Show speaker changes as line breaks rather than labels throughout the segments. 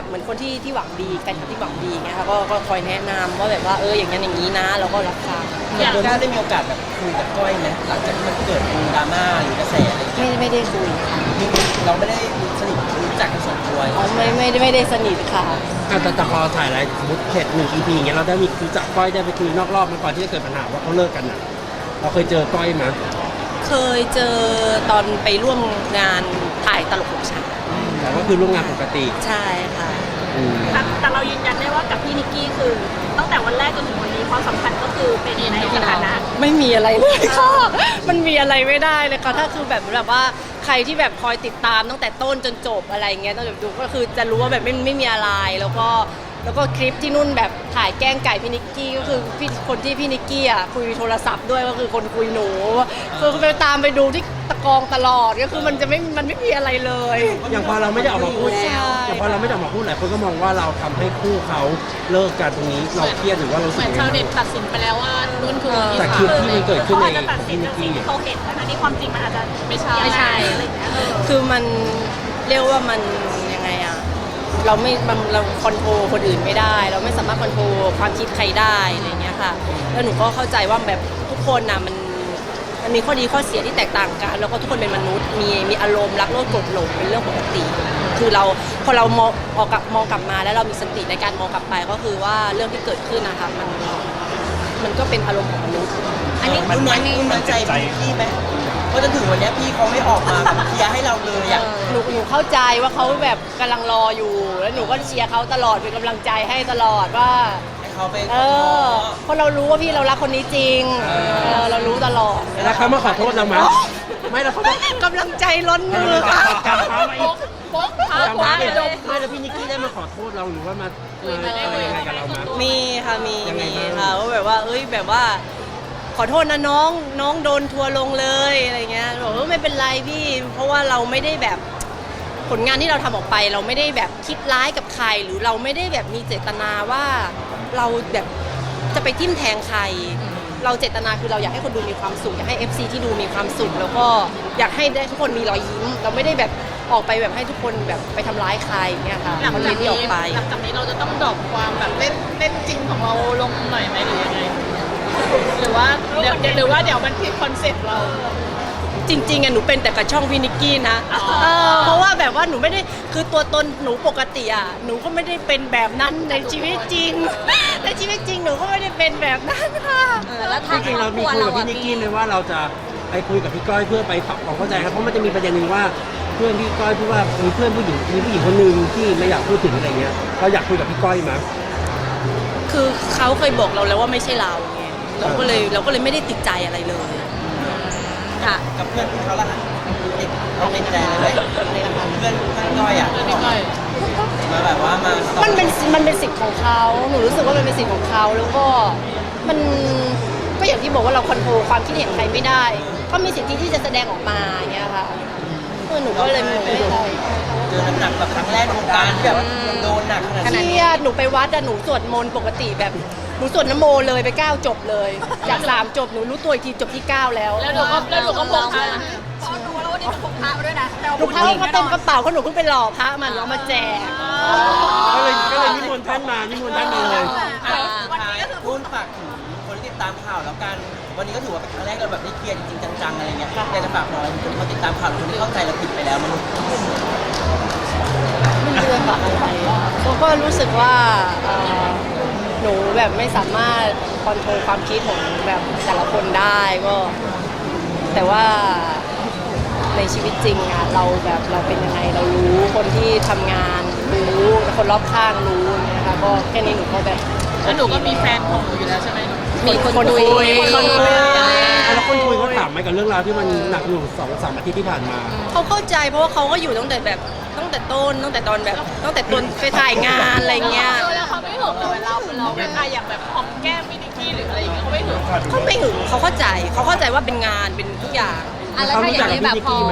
แบบเหมือนคนที่หวังดีแฟนคลับที่หวังดีไงค่ะก็คอยแนะนำว่าแบบว่าอย่างนั้นอย่างนี้นะเราก็รับฟัง
โดนได้มีโอกาสแบบคุยกับก้อยไหมหลังจากที่มันเกิดดราม่าหรือกระแสอะไรอย่างเงี้ย
ไม่ได้คุยค่ะ
เราไม่ได้สนิทรู้จักกันส่วนตัว
อ๋อไม่ได้สนิทค่ะ
แต่พอถ่ายอะไรสมมติเสร็จ1 EP อย่างเงี้ยเราได้มีรู้จักก้อยได้ไปคุยนอกรอบมาก่อนที่จะเกิดปัญหาว่าเขาเลิกกันอ่ะเราเคยเจอก้อยไหม
เคยเจอตอนไปร่วมงานถ่ายตลกของฉัน
แต่ก็คือร่วมงานปกติ
ใช่ค่ะ
แต่เรายืนยันได้ว่ากับพี่นิกกี้คือตั้งแต่วันแรกจนถึงวันนี้ความสัมพันธ์ก็คือเป็นในสถานะ
ไม่มีอะไรเลยค่ะมันมีอะไรไม่ได้เลยค่ะถ้าคือแบบว่าใครที่แบบคอยติดตามตั้งแต่ต้นจนจบอะไรเงี้ยต้องแบบดูก็คือจะรู้ว่าแบบไม่มีอะไรแล้วก็คลิปที่นุ่นแบบถ่ายแกล้งไก่พี่นิกกี้ก็คือคนที่พี่นิกกี้อ่ะคุยโทรศัพท์ด้วยก็คือคนคุยหนูคือไปตามไปดูที่ตะกองตลอดก็คือมันไม่มีอะไรเลย
อย่างพอเราไม่ได้ออกมาพูดอย่างพอเราไม่ได้ออกมาพูดหลายคนก็มองว่าเราทำให้คู่เขาเลิกกันตรงนี้เราเครียดหรือว่าเราสึกยังไง
ชาวเน็ตตัดสินไปแล้วว่านุ่นคือ
แต่คลิปที่มันเกิดขึ้นใน
พี่นิกกี้เขาเห็นนะที่ความจริงมันอาจจะไม่ใช่อะไรอย่างเงี้ย
คือมันเรียกว่ามันยังไงอะเราคอนโทรลคนอื่นไม่ได้เราไม่สามารถคอนโทรลความคิดใครได้อะไรเงี้ยค่ะแล้วหนูก็เข้าใจว่าแบบทุกคนนะมันมีข้อดีข้อเสียที่แตกต่างกันแล้วก็ทุกคนเป็นมนุษย์มีอารมณ์รักโลภโกรธหลงเป็นเรื่องปกติคือเราพอเรามองกลับมาแล้วเรามีสติในการมองกลับไปก็คือว่าเรื่องที่เกิดขึ้นนะคะมันก็เป็นอารมณ์ของมนุษย์
อันนี้คุณมั่นใจพี่ไหมว่าจนถึงวันนี้พี่เขาไม่ออกมาเคลียร์ให้เราเลยอ่ะ
หนูเข้าใจว่าเขาแบบกำลังรออยู่แล้วหนูก็เชียร์เขาตลอดเป็นกำลังใจให้ตลอดว่า
เขาไป
เพราะเรารู้ว่าพี่เรารักคนนี้จริงเรารู้ตลอด
แล้วเขามาขอโทษเราไหมไม่แล้วเขา
กำลังใจล้นมือค่ะ
โป๊กพา
ไม่แล้วพี่นิกกี้ได้มาขอโทษเราหรือว่ามาอะไรยังไงกับเราไหม
มีค่ะมีค่ะว่าแบบว่าแบบว่าขอโทษนะน้องโดนทัวร์ลงเลยอะไรเงี้ยบอกว่าไม่เป็นไรพี่เพราะว่าเราไม่ได้แบบผลงานที่เราทำออกไปเราไม่ได้แบบคิดร้ายกับใครหรือเราไม่ได้แบบมีเจตนาว่าเราแบบจะไปทิ่มแทงใครเราเจตนาคือเราอยากให้คนดูมีความสุขอยากให้ FC ที่ดูมีความสุขแล้วก็อยากให้ได้ทุกคนมีรอยยิ้มเราไม่ได้แบบออกไปแบบให้ทุกคนแบบไปทำร้ายใครเงี้ยค่ะ
หลังจากนี้เราจะต้องดรอปความแบบเล่นจริงของเราลงหน่อยไหมหรือยังไงหรือว่าเดี๋ยวมันผิดคอนเซ็ปต์เรา
จริงๆอ่ะหนูเป็นแต่กับช่องพี่นิกกี้นะเพราะว่าแบบว่าหนูไม่ได้คือตัวตนหนูปกติอ่ะหนูก็ไม่ได้เป็นแบบนั้นในชีวิตจริงในชีวิตจริงหนูก็ไม่ได้เป็นแบบนั้นค่ะ
แล้วจริงๆเรามีคุยกับพี่นิกกี้เลยว่าเราจะไปคุยกับพี่ก้อยเพื่อไปปรับความเข้าใจครับเพราะมันจะมีประเด็นหนึ่งว่าเพื่อนพี่ก้อยพูดว่ามีเพื่อนผู้หญิงคนนึงที่ไม่อยากพูดถึงอะไรเงี้ยเราอยากคุยกับพี่ก้อยมั้ย
คือเขาเคยบอกเราแล้วว่าไม่ใช่เราไงเราก็เลยไม่ได้ติดใจอะไรเลยค่ะ
กับเพื่อนเขาละเราไม่ใจเลยเพื่อนก้อยอ่ะมาแบบว่ามัน
เป็นสิทธิ์ของเขาหนูรู้สึกว่ามันเป็นสิทธิ์ของเขาแล้วก็มันก็อย่างที่บอกว่าเราคอนโทรลความคิดเห็นใครไม่ได้เขามีสิทธิที่จะแสดงออกมาอย่างเงี้ยค่ะหนูก็เลยไม่ได้
เจอหนักแบบครั้งแรกในวงการแบบโดนหนักขนาด
นี้หนูไปวัดหนูสวดมนต์ปกติแบบหนูสวดนโมเลยไป9จบเลยจาก3จบหนูรู้ตัวอีกทีจบที่9แล้ว
หนูก็พกพระพอดูแล้ววันนี้พกพระมาด้วยนะ
ลูกพระเขาเต็มกระเป๋าเขาหนูเพิ่งไปหล่อพระมันเอามาแจก
ก็เลยนิมนต์ท่านมาเลย
วันนี้ก็คือพูดฝากถึงคนที่ติดตามข่าวแล้วกันวันนี้ก็ถือว่าเป็นครั้งแรกเราแบบได้เคลียร์จริงๆจังๆอะไรเงี้ยอยากจะฝากหน่อยคนที่ติดตามข่าวคนที่เข้าใจเราผิดไปแล้วมัน
ไม่รู้จะฝากอะไรก็รู้สึกว่าหนูแบบไม่สามารถคอนโทรลความคิดของแบบแต่ละคนได้ก็แต่ว่าในชีวิตจริงอะเราเป็นยังไงเรารู้คนที่ทำงานรู้คนรอบข้างรู้นะคะก็แค่นี้หนูก็แบบ
แล้วหนูก็มีแฟนของหนูอยู่แล้วใช่ไหม
มีคนคุย
แล้วคนคุยเขาถามไหมกับเรื่องราวที่มันหนักหน่วง2-3 อาทิตย์ที่ผ่านมา
เขาเข้าใจเพราะว่าเขาก็อยู่ตั้งแต่ต้นตั้งแต่ตอนไปถ่ายงานอะไรเงี้ย
แล้วเขาไม่หึงเลยเราเป็นอย่างแบบหอมแก้มพี่นิกกี้หรืออะไรอย่างเงี้ยเขาไม่หึง
เขาเข้าใจว่าเป็นงานเป็นทุกอย่าง
แล้วถ้าอย่างนี้แบบพอ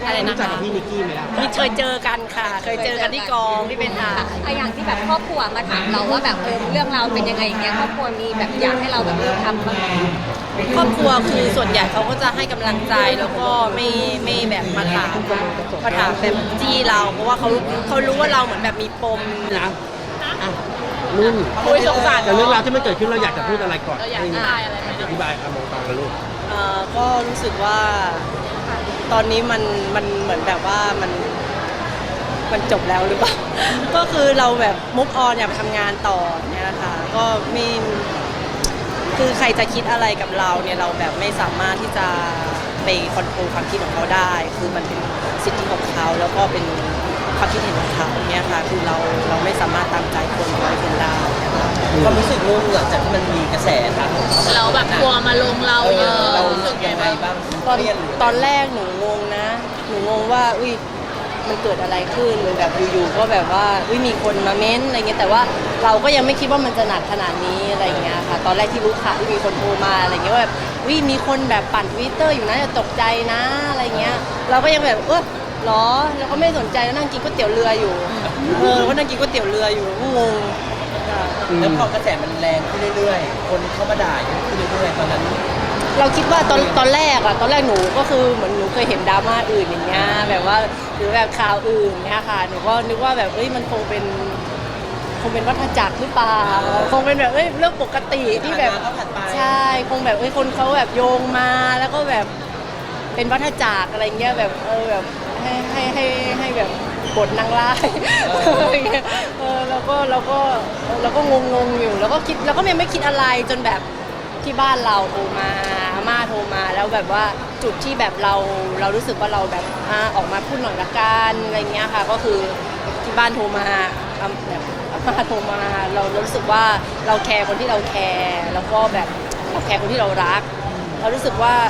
อะไรนะ
รู้จัก
คะ
กับพี่นิกกี้ไหมล่ะ
มีเคยเจอกันค่ะ เคยเจอกันที่กองที่เป็นถ่าย
อะอย่างที่แบบครอบครัวมาถามเราว่าแบบเรื่องราวเป็นยังไงอย่างเงี้ยครอบครัวมีแบบอยากให้เราแบบทำบ้างไหม
ครอบครัวคือส่วนใหญ่เขาก็จะให้กำลังใจแล้วก็ไม่แบบมาถามแบบจี้เรา เพราะว่าเขารู้ว่าเราเหมือนแบบมีปม
นะอ่ะนุ่น
คุยสงสาร
แต่เรื่องราวที่มันเกิดขึ้นเราอยากจะพูดอะไรก่อน
เราอยากได้อะไรไหม
อธิบายมองตากันลูก
ก็รู้สึกว่าตอนนี้มันเหมือนแบบว่ามันจบแล้วหรือเปล่า ก็คือเราแบบมุกออนอยากไปทำงานต่อเนี่ยนะคะก็ไม่คือใครจะคิดอะไรกับเราเนี่ยเราแบบไม่สามารถที่จะไปคอนโทรลความคิดของเขาได้ คือมันเป็นสิทธิของเขาแล้วก็เป็นความคิดเห็นของเขาเนี่ยค่ะคือเราไม่สามารถตามใจคนร้อยคนได้นะคะ
ความรู้สึกนุ่นหลังจากที่มันมีกระแสทางของ
เราแบบกลัวมาลงเราเยอะ
เรา
รู้
รู้
สึ
สึ
ก
ก
ไง
ยังไง
บ้าง
บ้าง
ตอน
เครียดหรือ
ตอนแรกหนูงงนะ หนูงงว่าอุ้ยมันเกิดอะไรขึ้นแบบอยู่ๆก็แบบว่าอุ้ยมีคนมาเม้นอะไรเงี้ยแต่ว่าเราก็ยังไม่คิดว่ามันจะหนักขนาดนี้อะไรเงี้ยค่ะ ตอนแรกที่รู้ข่าวที่มีคนโทรมาอะไรเงี้ยว่าแบบอุ้ยมีคนแบบปั่น Twitter อยู่นะอย่าตกใจนะอะไรเงี้ยเราก็ยังแบบหรอเราก็ไม่สนใจแล้วนั่งกินก๋วยเตี๋ยวเรืออยู่ก็นั่งกินก๋วยเตี๋ยวเรืออยู่ก็งงค่ะ
แล้วพอกระแสมันแรงขึ้นเรื่อยๆ คนเข้ามาด่าเยอะขึ้นเรื่อยๆตอนนั้น
เราคิดว่าตอนแรกหนูก็คือเหมือนหนูเคยเห็นดราม่าอื่นอย่างเงี้ยแบบว่าหรือแบบข่าวอื่นเนี่ยค่ะหนูก็นึกว่าแบบมันคงเป็นวัฏจักรหรือเปล่าคงเป็นแบบเรื่องปกติที่แบบ
ผ่านมาก็ผ่านไป
ใช่คงแบบคนเขาแบบโยงมาแล้วก็แบบเป็นวัฏจักรอะไรเงี้ยแบบแบบให้แบบบทนางร้ายอะไรเงี้ยเราก็งงอยู่แล้วก็คิดแล้วก็ยังไม่คิดอะไรจนแบบที่บ้านเราโทรมาอาม่าโทรมาแล้วแบบว่าจุดที่แบบเรารู้สึกว่าเราแบบออกมาพูดหน่อยละกันอะไรเงี้ยค่ะก็คือที่บ้านโทรมาแบบอาม่าโทรมาเรารู้สึกว่าเราแคร์คนที่เราแคร์แล้วก็แบบเราแคร์คนที่เรารักเรารู้สึกว่า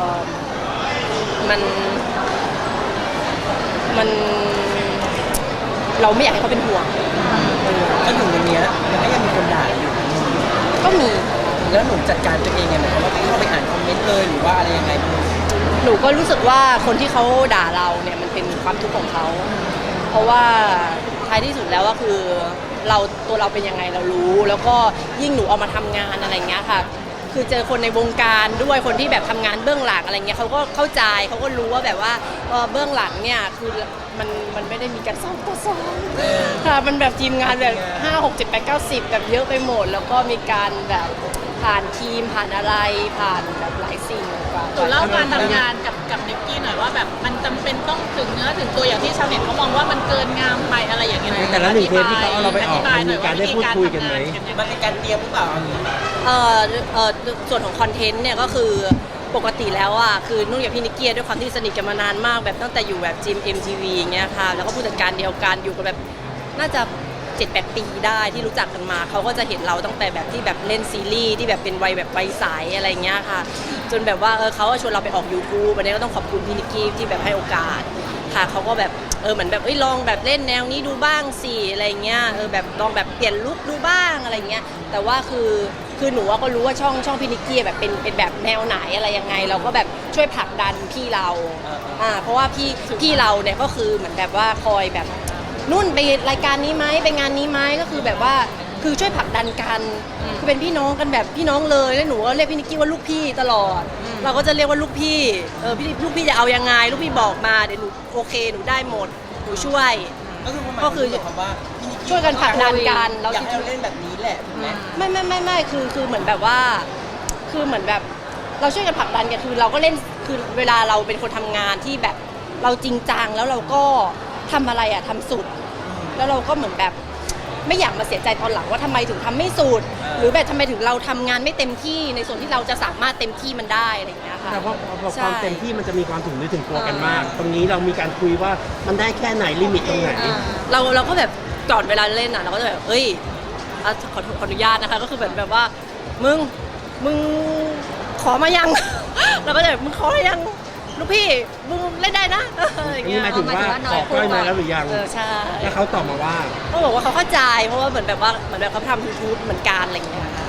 มันเราไม่อยากให้เขาเป็นห่วง
จนถึงวันเนี้ยมันก็ยังมีคนด่าอยู่
ก็มี
แล้วหนูจัดการตัวเองไงหมายความว่าเข้าไปอ่านคอมเมนต์เลยหรือว่าอะไรยังไงบ้าง
หนูก็รู้สึกว่าคนที่เขาด่าเราเนี่ยมันเป็นความทุกข์ของเขา เพราะว่าท้ายที่สุดแล้วก็คือตัวเราเป็นยังไงเรารู้ แล้วก็ยิ่งหนูเอามาทำงานอะไรเงี้ยค่ะ คือเจอคนในวงการด้วยคนที่แบบทำงานเบื้องหลังอะไรเงี้ยเขาก็เข้าใจเขาก็รู้ว่าแบบว่าเบื้องหลังเนี่ยคือมันไม่ได้มีการซ้อมต่อซ้อมค่ะมันแบบทีมงานแบบ5 6 7 8 9 10แบบเยอะไปหมด แล้วก็มีการแบบผ่านทีมผ่านอะไรผ่านแบบหลายสิ่งกว่า
หนูเล่าการทำงานกับนิกกี้หน่อยว่าแบบมันจำเป็นต้องถึงเนื้อถึงตัวอย่างที่ชาวเน็ตเขามองว่ามันเกินงามไปอะไรอย่างเงี้ย
แต่ละหนึ่งเทปที่เขาเอาเราไปออกมันมีการได้พูดคุยกันไหม
มันเป็นการเตรียมหรือเปล่าเอาอย่างนี้
ส่วนของคอนเทนต์เนี่ยก็คือปกติแล้วคือนุ่นกับพี่นิกกี้ด้วยความที่สนิทกันมานานมากแบบตั้งแต่อยู่แบบจิม MTV อย่างเงี้ยค่ะแล้วก็ผู้จัดการเดียวกันอยู่กันแบบน่าจะ 7-8 ปีได้ที่รู้จักกันมาเขาก็จะเห็นเราตั้งแต่แบบที่แบบเล่นซีรีส์ที่แบบเป็นวัยแบบวัยใสอะไรเงี้ยค่ะจนแบบว่าเขาก็ชวนเราไปออก YouTube วันนี้ก็ต้องขอบคุณพี่นิกกี้ที่แบบให้โอกาสค่ะเขาก็แบบเหมือนแบบลองแบบเล่นแนวนี้ดูบ้างสิอะไรเงี้ยแบบลองแบบเปลี่ยนลุคดูบ้างอะไรเงี้ยแต่ว่าคือหนูก็รู้ว่าช่องพี่นิกกี้แบบเป็นแบบแนวไหนอะไรยังไงเราก็แบบช่วยผลักดันพี่เราเพราะว่าพี่เราเนี่ยก็คือเหมือนแบบว่าคอยแบบนุ่นไปรายการนี้ไหมไปงานนี้ไหมก็คือแบบว่าคือช่วยผลักดันกันคือเป็นพี่น้องกันแบบพี่น้องเลยแล้วหนูก็เรียกพี่นิกกี้ว่าลูกพี่ตลอดเราก็จะเรียกว่าลูกพี่ลูกพี่จะเอายังไงลูกพี่บอกมาเดี๋ยวหนูโอเคหนูได้หมดหนูช่วย
ก็คือคำว่าพี่นิกกี้
ช่วยกันผลักดันกัน
อยากให้เราเล่นแบบนี้แหละถูกไหม
ไม่คือเหมือนแบบว่าคือเหมือนแบบเราช่วยกันผลักดันกันคือเราก็เล่นคือเวลาเราเป็นคนทำงานที่แบบเราจริงจังแล้วเราก็ทำอะไรทำสุด แล้วเราก็เหมือนแบบไม่อยากมาเสียใจตอนหลังว่าทำไมถึงทำไม่สุด หรือแบบทำไมถึงเราทำงานไม่เต็มที่ในส่วนที่เราจะสามารถเต็มที่มันได้อะไรอย่างเงี้ยค่ะ
แต่พอความเต็มที่มันจะมีความถึงนึกถึงตัวกันมาก ตรงนี้เรามีการคุยว่ามันได้แค่ไหนลิมิตตรงไหน
เราก็แบบก่อนเวลาเล่นเราก็จะแบบขออนุญาตนะคะก็คือแบบว่ามึงขอมายัง เราก็จะแบบมึงขอมายังลูกพี่มึงเล่นได้นะอะไรอย่าง
นี่
เงี้ย
หมายถึงว่าขอก้อยมาแล้วหรือยัง
ใช่
แล้วเขาตอบมาว่า
เขาบอกว่าเขาเข้าใจเพราะว่าเหมือนแบบเขาทำ YouTube เหมือนกันอะไรอย่างเงี้ยค่ะ
ต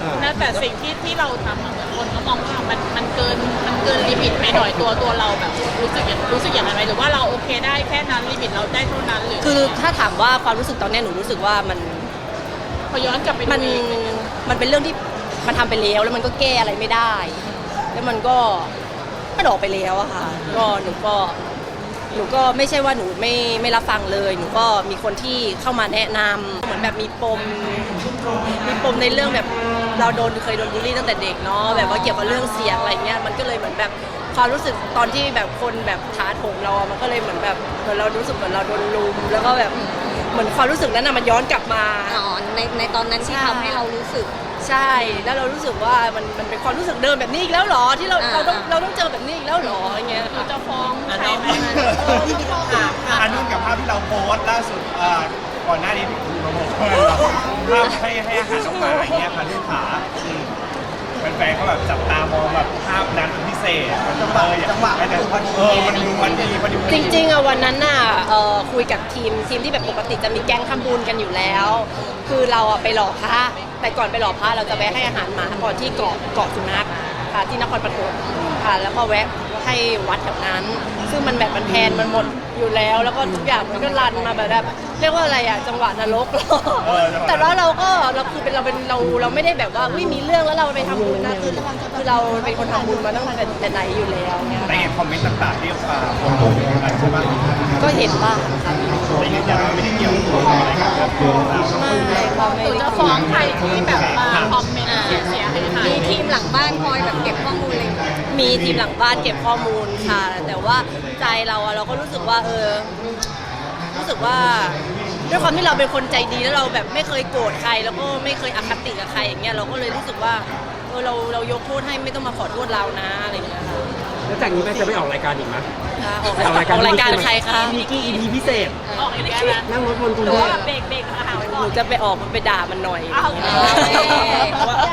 นะแต่สิ่งที่เราทำอะเหมือนคนก็มองว่ามันเกินลิมิตไปหน่อยตัวเราแบบรู้สึกอย่างไรไหมหรือว่าเราโอเคได้แค่นั้นลิมิตเราได้เท่านั้นหรือ
คือถ้าถามว่าความรู้สึกตอนเนี้ยหนูรู้สึกว่ามัน
พอย้อนกลับไปดู
มัน
เอง
มันเป็นเรื่องที่มันทำไปแล้วแล้วมันก็แก้อะไรไม่ได้ แล้วมันก็ออกไปแล้วอะค่ะก็หนูก็ไม่ใช่ว่าหนูไม่รับฟังเลย หนูก็มีคนที่เข้ามาแนะนำเหมือนแบบมีปมในเรื่องแบบเราเคยโดนบูลลี่ตั้งแต่เด็กเนาะแบบว่าเกี่ยวกับเรื่องเสียงอะไรเงี้ยมันก็เลยเหมือนแบบความรู้สึกตอนที่แบบคนแบบท้าโถมเราอะมันก็เลยเหมือนแบบเหมือนเรารู้สึกเหมือนเราโดนลุมแล้วก็แบบเหมือนความรู้สึกนั้นน่ะมันย้อนกลับมา
อ๋อในตอนนั้นที่ทำให้เรารู้สึก
ใช่แล้วเรารู้สึกว่ามันเป็นความรู้สึกเดิมแบบนี้อีกแล้วเหรอที่เราต้องเจอแบบนี้อีกแล้วเหรออย่างเงี้ย
เราจะฟ้อง
อ่ะ
ใคร
น้อง
ไหม
พี่มีคำถามค่ะ
อันนู้นกับภาพที่เราโพสต์ล่าสุดก่อนหน้านี้ที่คุณโปรโมทภาพให้อาหารน้องหมาอย่างเงี้ยค่ะลูกขาแฟนๆเขาแบบจับตามองแบบภาพนั้นเป็นพิเศษมันจังหวะมันดูพอดี
จริงๆอะวันนั้นน่ะคุยกับทีมที่แบบปกติจะมีแก๊งทำบุญกันอยู่แล้ว คือเราอะไปหล่อพระแต่ก่อนไปหล่อพระเราจะแวะให้อาหารหมาก่อนที่เกาะสุนัขค่ะที่นครปฐมค่ะแล้วก็แวะให้วัดแถวนั้น ซึ่งมันแบบมันแพนมันหมดอยู่แล้วแล้วก็ทุกอย่างมันก็รันมาแบบเรียกว่าอะไรอะจังหวะนรก แต่ว่าเราคือเป็นเราไม่ได้แบบว่าอุ้ยมีเรื่องแล้วเราไปทำบุญนะคือเราเป็นคนทำบุญมาตั้งแต่ไหนอยู่แล้วเนี่ย
แต่เห็นคอมเมนต์ต่างๆที่คนโพสต์อะไรใช่ไหม
ก็เห็นบ้างค่ะ
ไม่ยืนยันว่าไม่ได้เกี่ยวข้องอะไรกับเรื่องเรา
ไม่ค่ะ
หนูจะฟ้องใครที่แบบมาคอมเมนต์เสียหาย
มีทีมหลังบ้านคอยแบบเก็บข้อมูลอะไรอย่างเงี้ย
มีทีมหลังบ้านเก็บข้อมูลค่ะ แต่ว่าใจเราอะเราก็รู้สึกว่ารู้สึกว่าด้วยความที่เราเป็นคนใจดีแล้วเราแบบไม่เคยโกรธใครแล้วก็ไม่เคยอคติกับใครอย่างเงี้ยเราก็เลยรู้สึกว่าเรายกโทษให้ไม่ต้องมาขอโทษเรานะอะไรอย่างเงี้ยค่ะ
แล้วจากนี้แม่จะไม่ออกรายการอีกไหม
ออกรายการใครคะ
มีกี้ EP พิเศษ
ออกอีกแล้วนะ
นั่งรถบนกรุง
หรือ
เท
ว่า
พ
เบรกอาหาร
ห
ก่อ
นู
น
จะไปออกมันไปด่ามันหน่อย
เอา
อะไรอย่างเงี้ย
เพราะว่า